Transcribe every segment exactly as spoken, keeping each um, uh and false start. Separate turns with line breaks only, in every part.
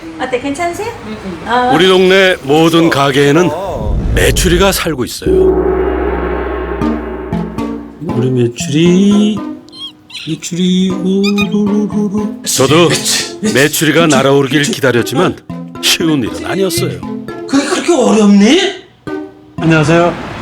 어때, 괜찮으세요? 어,
우리 동네 모든 가게에는 메추리가 살고 있어요.
우리 메추리 메추리 우루루루루.
저도 메추리가 날아오르길 기다렸지만 쉬운 일은 아니었어요.
그게 그렇게 어렵니? 안녕하세요.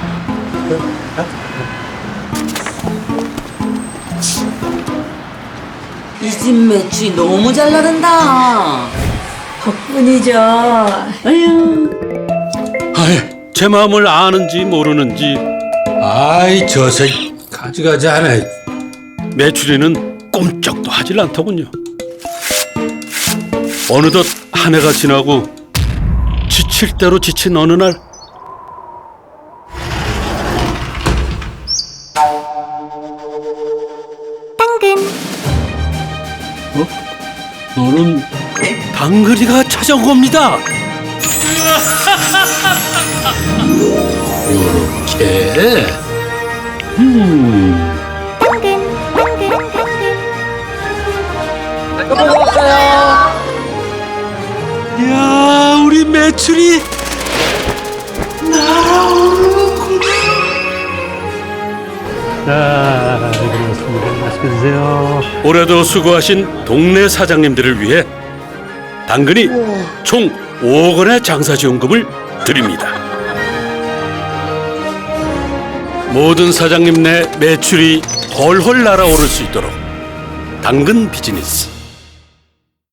이 집 매출이 너무 잘 나간다.
덕분이죠. 아유.
아이, 제 마음을 아는지 모르는지
아이 저새 가지가지 하네.
메추리는 꼼짝도 하질 않더군요. 어느덧 한 해가 지나고 지칠 대로 지친 어느 날
어? 너는
당근이가 찾아온 겁니다.
요렇게. 음.
이야, 우리 메추리
자, 고맙습니다. 맛있게 드세요.
올해도 수고하신 동네 사장님들을 위해 당근이 총 오억 원의 장사지원금을 드립니다. 모든 사장님 내 매출이 훨훨 날아오를 수 있도록 당근 비즈니스